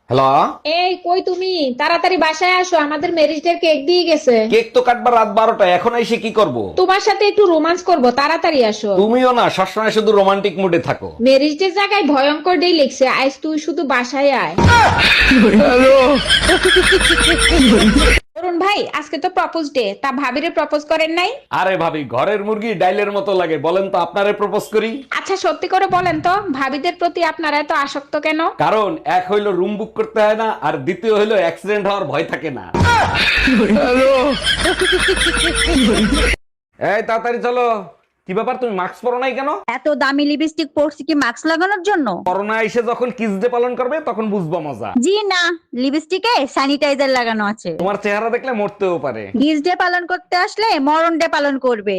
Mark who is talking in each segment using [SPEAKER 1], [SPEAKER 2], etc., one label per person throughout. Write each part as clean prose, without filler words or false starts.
[SPEAKER 1] Hello,
[SPEAKER 2] এই কই তুমি? তাড়াতাড়ি বাসায় আসো, আমাদের ম্যারেজ ডে কেক দিয়ে গেছে।
[SPEAKER 1] কেক তো কাটবার রাত 12টা, এখন এসে কি করব?
[SPEAKER 2] তোমার সাথে একটু রোমান্স করব, তাড়াতাড়ি আসো।
[SPEAKER 1] তুমিও না সবসময় শুধু রোমান্টিক মুডে থাকো।
[SPEAKER 2] ম্যারেজ ডে জায়গায় ভয়ঙ্কর ডে লিখছে, আজ তুই শুধু বাসায় আয়। অরুণ ভাই, আজকে তো প্রপোজ ডে, তা ভাবিরে প্রপোজ করেন নাই?
[SPEAKER 1] আরে ভাবি, ঘরের মুরগি ডাইলের মতো লাগে, বলেন তো আপনারে প্রপোজ করি?
[SPEAKER 2] আচ্ছা সত্যি করে বলেন তো, ভাবিদের প্রতি আপনারা এত আসক্ত কেন?
[SPEAKER 1] কারণ এক হইলো রুম বুক করতে হয় না, আর দ্বিতীয় হইলো অ্যাক্সিডেন্ট হওয়ার ভয় থাকে না। এই তাড়াতাড়ি চলো। কি ব্যাপার, তুমি মাস্ক পরো নাই কেন?
[SPEAKER 3] এত দামি লিপস্টিক পরছি কি মাস্ক লাগানোর জন্য?
[SPEAKER 1] করোনা এসে যখন কিস ডে পালন করবে তখন বুঝবা মজা।
[SPEAKER 3] জি না, লিপস্টিকে স্যানিটাইজার লাগানো আছে।
[SPEAKER 1] তোমার চেহারা দেখলে মরতেও পারে।
[SPEAKER 3] কিস ডে পালন করতে আসলে মরণ ডে পালন করবে।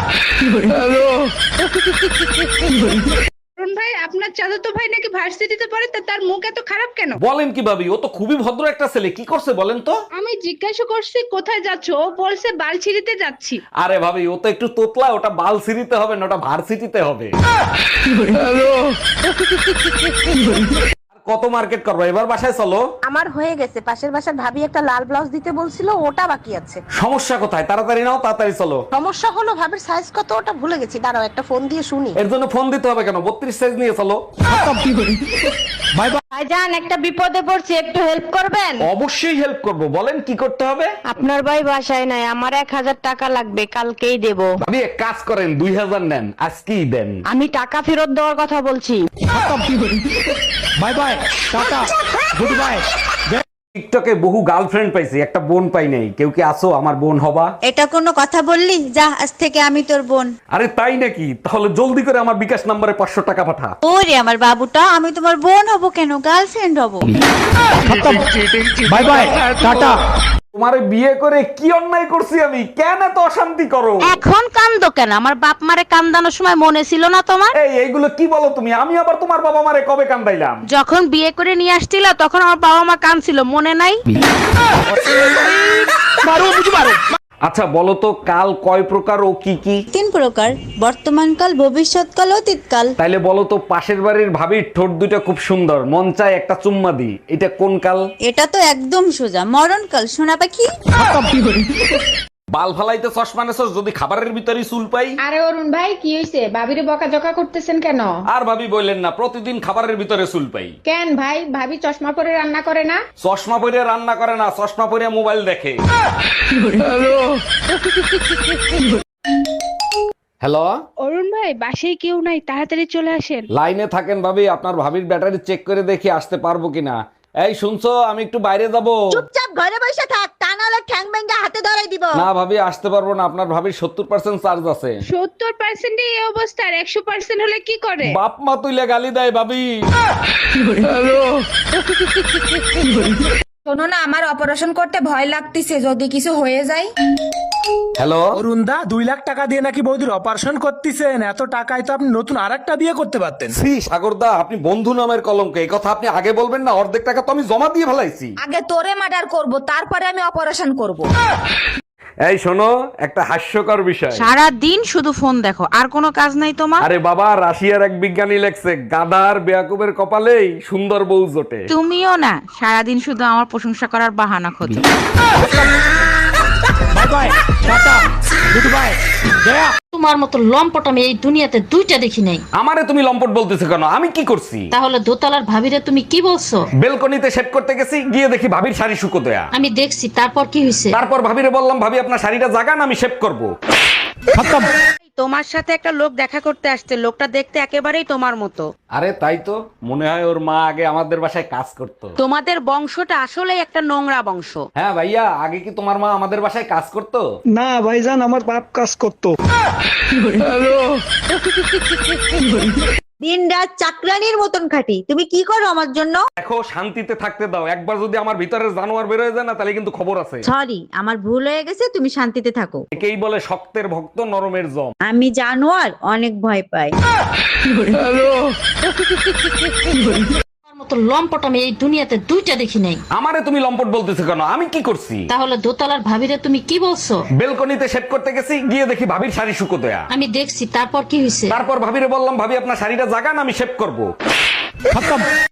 [SPEAKER 4] অরুণ ভাই, আপনার চাচাতো ভাই নাকি ভার্সিটিতে পড়ে, তা তার মুখ এত খারাপ কেন?
[SPEAKER 1] বলেন কি ভাবি, ও তো খুবই ভদ্র একটা ছেলে, কি করছে বলেন তো?
[SPEAKER 4] আমি জিজ্ঞাসা করছি কোথায় যাচ্ছ, ও বলছে বালছিড়িতে যাচ্ছি।
[SPEAKER 1] আরে ভাবি, ও তো একটু তোতলা, ওটা বাল সিটিতে হবে না, ওটা ভার্সিটিতে হবে। আর কত মার্কেট করবো, এবার বাসায় চলো।
[SPEAKER 5] আমার হয়ে গেছে, পাশের বাসার ভাবি একটা লাল ব্লাউজ দিতে বলছিল, ওটা বাকি আছে।
[SPEAKER 1] সমস্যা কোথায়? তাড়াতাড়ি নাও, তাড়াতাড়ি চলো।
[SPEAKER 5] সমস্যা হলো ভাবির সাইজ কত ওটা ভুলে গেছি, দাঁড়াও একটা ফোন দিয়ে শুনি।
[SPEAKER 1] এর জন্য ফোন দিতে হবে কেন? 32 সাইজ নিয়ে চলো।
[SPEAKER 3] ভাইজান, একটা বিপদে পড়ছি, একটু হেল্প করবেন?
[SPEAKER 1] অবশ্যই হেল্প করব, বলেন কি করতে হবে?
[SPEAKER 3] আপনার ভাই বাসায় নাই, আমার 1000 টাকা লাগবে, কালকেই দেব।
[SPEAKER 1] ভাবি এক কাজ করেন, 2000 নেন, আজকেই দেন।
[SPEAKER 3] আমি টাকা ফেরত দেওয়ার কথা বলছি।
[SPEAKER 6] Bye bye, tata, goodbye.
[SPEAKER 1] টিকটকে বহু গার্লফ্রেন্ড পাইছি, একটা বোন পাই নাই। কেউ কি আসো আমার বোন হবা?
[SPEAKER 3] এটা কোনো কথা বললি? যা, আজ থেকে আমি তোর বোন।
[SPEAKER 1] আরে তাই নাকি? তাহলে জলদি করে আমার বিকাশ নম্বরে 500 টাকা পাঠা।
[SPEAKER 3] ওরে আমার বাবুটা, আমি তোমার বোন হব কেন, গার্লফ্রেন্ড হব।
[SPEAKER 6] Bye bye, tata.
[SPEAKER 1] তোমারে বিয়ে করে কি অন্যায় করছি আমি? কেন এত অশান্তি করো?
[SPEAKER 7] এখন কান্দো কেন? আমার বাপ মারে কান্দানোর সময় মনে ছিল না তোমার?
[SPEAKER 1] এইগুলো কি বলো তুমি? আমি আবার তোমার বাবা মারে কবে কান্দাইলাম?
[SPEAKER 7] যখন বিয়ে করে নিয়ে আসছিল তখন আমার বাবা মা কাঁদছিল, মনে নাই?
[SPEAKER 1] আচ্ছা বলো তো, কাল কয় প্রকার ও কি কি?
[SPEAKER 3] 3 প্রকার, বর্তমানকাল, ভবিষ্যৎকাল, অতীতকাল।
[SPEAKER 1] তাইলে বলো তো, পাশের বাড়ির ভাবির ঠোঁট দুটো খুব সুন্দর, মন চায় একটা চুম্মা দি, এটা কোন কাল?
[SPEAKER 3] এটা তো একদম সোজা, মরণকাল, সোনা পাখি।
[SPEAKER 1] বাল ফালাইতে চশমা নেছস, যদি খাবারের ভিতরে চুল পাই?
[SPEAKER 2] আরে অরুণ ভাই, কি হইছে? ভাবিরে বকাঝকা করতেছেন কেন?
[SPEAKER 1] আর ভাবি বললেন না, প্রতিদিন খাবারের ভিতরে চুল পাই।
[SPEAKER 2] কেন ভাই, ভাবি চশমা পরে রান্না করে না?
[SPEAKER 1] চশমা পরে রান্না করে না, চশমা পরে মোবাইল দেখে। হ্যালো,
[SPEAKER 4] অরুণ ভাই, বাসায় কেউ নাই, তাড়াতাড়ি চলে আসেন।
[SPEAKER 1] লাইনে থাকেন ভাবি, আপনার ভাবির ব্যাটারি চেক করে দেখি আসতে পারবো কিনা। এই শুনছো, আমি একটু বাইরে যাব।
[SPEAKER 3] চুপচাপ ঘরে বসে থাক, তা নাহলে ঠ্যাং ভেঙে হাতে ধরাই দিব।
[SPEAKER 1] না ভাবি, আসতে পারবো না, আপনার ভাবির 70% চার্জ আছে।
[SPEAKER 4] 70% এই অবস্থা, আর 100% হলে কি করে?
[SPEAKER 1] বাপ মা তুইলে গালি দেয় ভাবি।
[SPEAKER 8] শোনো না, আমার অপারেশন করতে ভয় লাগতেছে, যদি কিছু হয়ে যায়।
[SPEAKER 1] হ্যালো,
[SPEAKER 6] অরুণদা, 2 লাখ টাকা দিয়ে নাকি বৌদির অপারেশন করতেছেন? এত টাকায় তো আপনি নতুন আরেকটা বিয়ে করতে পারতেন।
[SPEAKER 1] শ্রী সাগরদা, আপনি বন্ধু নামের কলঙ্ক, এই কথা আপনি আগে বলবেন না? অর্ধেক টাকা তো আমি জমা দিয়ে ফেলাইছি।
[SPEAKER 8] আগে তোরে মার্ডার করব, তারপরে আমি অপারেশন করব।
[SPEAKER 1] এই শোনো, একটা হাস্যকর বিষয়।
[SPEAKER 7] সারা দিন শুধু ফোন দেখো, আর কোনো কাজ নাই তোমার?
[SPEAKER 1] আরে বাবা, রাশিয়ার এক বিজ্ঞানী লেখছে, গাধার বেয়াকুবের কপালেই সুন্দর বউ জোটে।
[SPEAKER 7] তুমিও না, সারাদিন শুধু আমার প্রশংসা করার বাহানা খোঁজো।
[SPEAKER 6] Bye bye, tata, goodbye, গয়া।
[SPEAKER 9] তোমার মতো লম্পট আমি এই দুনিয়াতে 2টা দেখি নাই।
[SPEAKER 1] আমারে তুমি লম্পট বলতেছো কেন? আমি কি করছি?
[SPEAKER 9] তাহলে দোতলার ভাবিরে তুমি কি বলছো?
[SPEAKER 1] বেলকনিতে সেট করতে গেছি, গিয়ে দেখি ভাবির শাড়ি শুকো দেয়া।
[SPEAKER 9] আমি দেখছি, তারপর কি হয়েছে?
[SPEAKER 1] তারপর ভাবিরে বললাম, ভাবি আপনার শাড়িটা জাগান, আমি শেভ করব।
[SPEAKER 7] তোমার সাথে একটা লোক দেখা করতে আসছে, লোকটা দেখতে একেবারেই তোমার মতো।
[SPEAKER 1] আরে তাই তো, মনে হয় ওর মা আগে আমাদের বাসায় কাজ করতো।
[SPEAKER 7] তোমাদের বংশটা আসলেই একটা নোংরা বংশ।
[SPEAKER 1] হ্যাঁ ভাইয়া, আগে কি তোমার মা আমাদের বাসায় কাজ করতো?
[SPEAKER 6] না ভাইজান, আমার বাপ কাজ করতো।
[SPEAKER 3] দিন রাত চাকরানির মতন খাটি, তুমি কি করো আমার জন্য?
[SPEAKER 1] দেখো, শান্তিতে থাকতে দাও। একবার যদি আমার ভিতরের জানোয়ার বের হয়ে যায় না, তাহলে কিন্তু খবর আছে।
[SPEAKER 3] সরি, আমার ভুল হয়ে গেছে, তুমি শান্তিতে থাকো।
[SPEAKER 1] একেই বলে শক্তের ভক্ত, নরমের জম।
[SPEAKER 3] আমি জানোয়ার, অনেক ভয় পাই।
[SPEAKER 9] তোমার মতো লম্পট আমি এই দুনিয়াতে 2টা দেখি নাই।
[SPEAKER 1] আমারে তুমি লম্পট বলতেছো কেন? আমি কি করছি?
[SPEAKER 9] তাহলে দোতলার ভাবিরে তুমি কি বলছো?
[SPEAKER 1] বেলকনিতে সেট করতে গেছি, গিয়ে দেখি ভাবির শাড়ি শুকো দেয়া।
[SPEAKER 9] আমি দেখছি, তারপর কি হয়েছে?
[SPEAKER 1] তারপর ভাবিরে বললাম, ভাবি আপনার শাড়িটা জাগান, আমি শেভ করব।